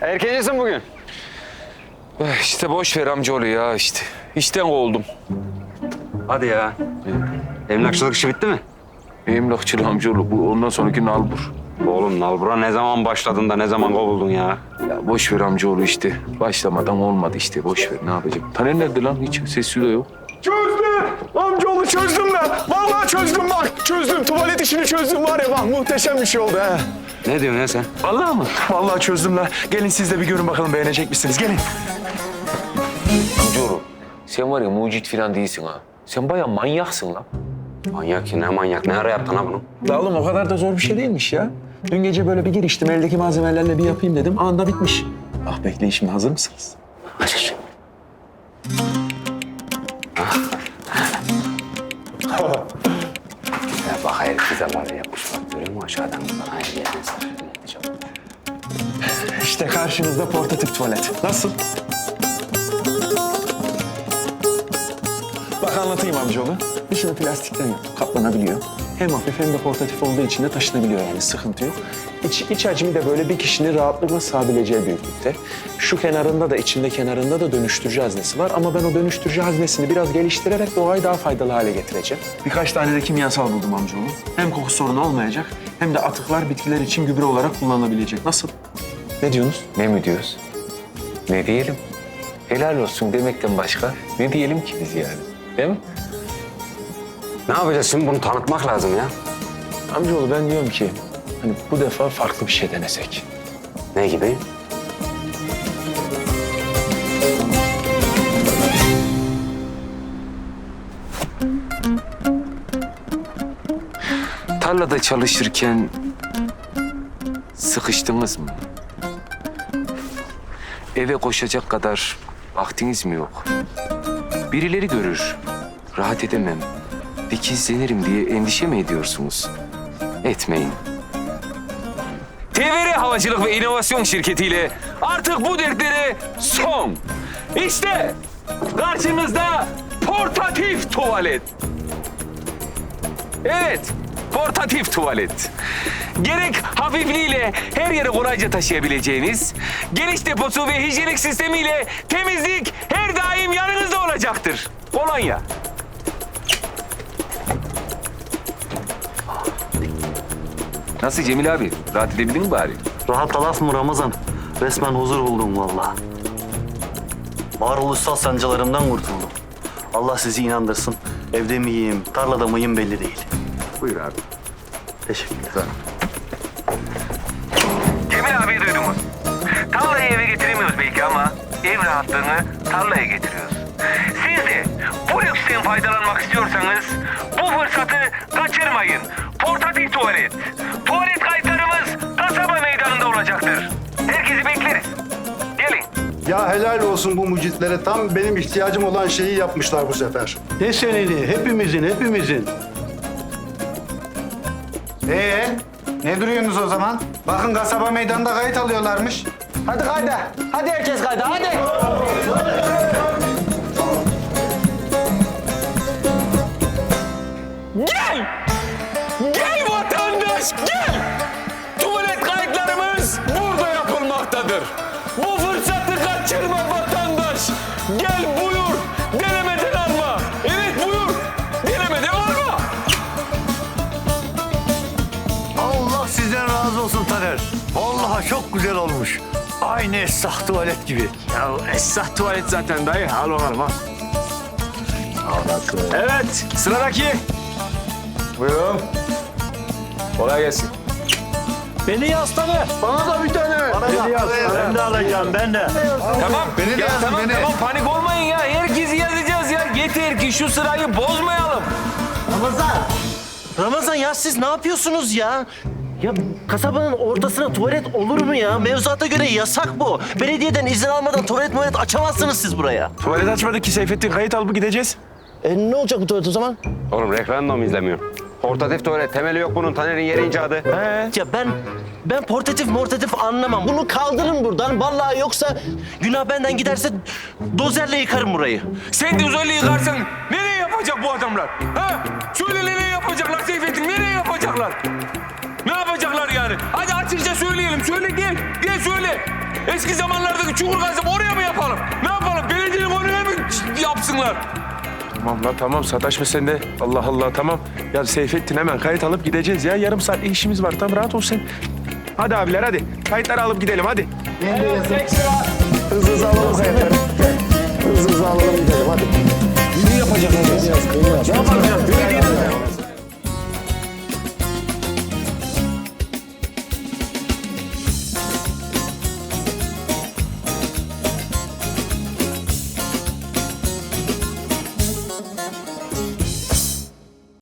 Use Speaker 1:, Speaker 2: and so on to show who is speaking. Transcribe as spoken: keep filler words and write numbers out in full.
Speaker 1: Erkencisin bugün.
Speaker 2: İşte boş ver amcaoğlu ya işte. İşten kovuldum.
Speaker 1: Hadi ya. Emlakçılık işi bitti mi?
Speaker 2: Emlakçılı amcaoğlu bu ondan sonraki nalbur.
Speaker 1: Oğlum nalbura ne zaman başladın da ne zaman kovuldun ya?
Speaker 2: Ya boş ver amcaoğlu işte. Başlamadan olmadı işte boş ver ne yapacağım. Taner nerede lan? Hiç sesi de yok.
Speaker 3: Çözdüm. Amcaoğlu çözdüm ben. Vallahi çözdüm bak. Çözdüm. Tuvalet işini çözdüm var ya bak muhteşem bir şey oldu ha.
Speaker 1: Ne diyorsun ya sen?
Speaker 2: Vallahi mı?
Speaker 3: Vallahi çözdüm lan. Gelin siz de bir görün bakalım beğenecek misiniz? Gelin.
Speaker 2: Amcaoğlu sen var ya mucit falan değilsin ha. Sen bayağı manyaksın lan.
Speaker 1: Manyak ki ne manyak. Ne ara yaptın ha bunu?
Speaker 3: La oğlum o kadar da zor bir şey değilmiş ya. Dün gece böyle bir giriştim. Eldeki malzemelerle bir yapayım dedim. Anında bitmiş. Ah bekleyin şimdi hazır mısınız?
Speaker 1: Hazır. Ya bak hayır kızalar yapmış bak görüyor musun aşağıdan bana hayır yerine sarıyor.
Speaker 3: İşte karşınızda portatif tuvalet. Nasıl? Bak anlatayım amcaoğlu. Dışını plastikten yaptım. Katlanabiliyor. Hem hafif hem de portatif olduğu için de taşınabiliyor yani sıkıntı yok. İç, iç hacmi de böyle bir kişinin rahatlıkla sığabileceği büyüklükte. Şu kenarında da içinde kenarında da dönüştürücü haznesi var. Ama ben o dönüştürücü haznesini biraz geliştirerek doğayı daha faydalı hale getireceğim. Birkaç tane de kimyasal buldum amcaoğlu. Hem koku sorunu olmayacak hem de atıklar bitkiler için gübre olarak kullanılabilecek. Nasıl? Ne diyorsunuz?
Speaker 2: Ne mi diyoruz? Ne diyelim? Helal olsun demekten başka ne diyelim ki biz yani? Değil mi?
Speaker 1: Ne yapacağız şimdi bunu tanıtmak lazım ya.
Speaker 3: Amcaoğlu ben diyorum ki hani bu defa farklı bir şey denesek.
Speaker 1: Ne gibi?
Speaker 2: Tarlada çalışırken sıkıştınız mı? Eve koşacak kadar vaktiniz mi yok? Birileri görür, rahat edemem, dikizlenirim diye endişe mi ediyorsunuz? Etmeyin. T V R Havacılık ve İnovasyon Şirketi'yle artık bu dertlere son. İşte karşınızda portatif tuvalet. Evet, portatif tuvalet. Gerek hafifliğiyle her yere kolayca taşıyabileceğiniz, geniş deposu ve hijyenik sistemiyle temizlik her daim yanınızda olacaktır. Kolonya. Nasıl Cemil abi? Rahat edebildin mi bari?
Speaker 4: Rahat laf mı Ramazan? Resmen huzur buldum vallahi. Varoluşsal sancılarımdan kurtuldum. Allah sizi inandırsın. Evde miyim, tarlada mıyım belli değil.
Speaker 2: Buyur abi.
Speaker 4: Teşekkürler.
Speaker 5: Cemil abi duydunuz. Tarlayı eve getiremiyoruz belki ama ev rahatlığını tarlaya getiriyoruz. Siz de bu lüksten faydalanmak istiyorsanız bu fırsatı kaçırmayın. Portatif tuvalet. Tuvalet kayıtlarımız kasaba meydanında olacaktır. Herkesi bekleriz. Gelin.
Speaker 6: Ya helal olsun bu mucitlere. Tam benim ihtiyacım olan şeyi yapmışlar bu sefer.
Speaker 7: Ne seneni? Hepimizin, hepimizin.
Speaker 8: Ee, ne duruyorsunuz o zaman? Bakın kasaba meydanında kayıt alıyorlarmış. Hadi kayda. Hadi herkes kayda. Hadi.
Speaker 2: Gel! Gel vatandaş gel! Tuvalet kayıtlarımız burada yapılmaktadır. Bu fırsatı kaçırma vatandaş. Gel buyur, denemeden alma. Evet buyur, denemeden alma.
Speaker 7: Allah sizden razı olsun Taner. Vallahi çok güzel olmuş. Aynı Esrah tuvalet gibi.
Speaker 3: Ya Esrah tuvalet zaten dayı. Al bakalım al. Evet sıradaki. Buyurun. Kolay gelsin.
Speaker 7: Beni yaz Taner.
Speaker 3: Bana da bir tane.
Speaker 7: Beni yaz. Ben de alacağım, ben de.
Speaker 2: Tamam,
Speaker 6: Beni de
Speaker 2: ya
Speaker 6: yazın,
Speaker 2: tamam,
Speaker 6: beni.
Speaker 2: tamam panik olmayın ya. Herkesi yazacağız ya. Yeter ki şu sırayı bozmayalım.
Speaker 4: Ramazan! Ramazan ya siz ne yapıyorsunuz ya? Ya kasabanın ortasına tuvalet olur mu ya? Mevzuata göre yasak bu. Belediyeden izin almadan tuvalet muvalet açamazsınız siz buraya.
Speaker 3: Tuvalet açmadık ki Seyfettin. Kayıt alıp gideceğiz.
Speaker 4: E ne olacak bu tuvalet o zaman?
Speaker 1: Oğlum referandum izlemiyor. Portatif tuvalet temeli yok bunun. Taner'in yeri icadı.
Speaker 3: He.
Speaker 4: Ya ben ben portatif mortatif anlamam. Bunu kaldırın buradan. Vallahi yoksa günah benden giderse dozerle yıkarım burayı.
Speaker 2: Sen de uzaylı yıkarsan nereye yapacak bu adamlar? Ha? Söyle nereye yapacaklar Seyfettin? Nereye yapacaklar? Ne yapacaklar yani? Hadi açıkça söyleyelim. Söyle gel. Gel söyle. Eski zamanlardaki çukur kazıp oraya mı yapalım? Ne yapalım? Belediyenin önüne mi yapsınlar?
Speaker 3: Tamam lan tamam sataşma sen de. Allah Allah tamam. Ya Seyfettin hemen kayıt alıp gideceğiz ya. Yarım saat işimiz var. Tamam rahat ol sen. Hadi abiler hadi. Kayıtları alıp gidelim hadi. Hızlı hızlı alalım kayıtları. Hızlı hızlı alalım gidelim hadi. Ne yapacak hadi? Yapalım.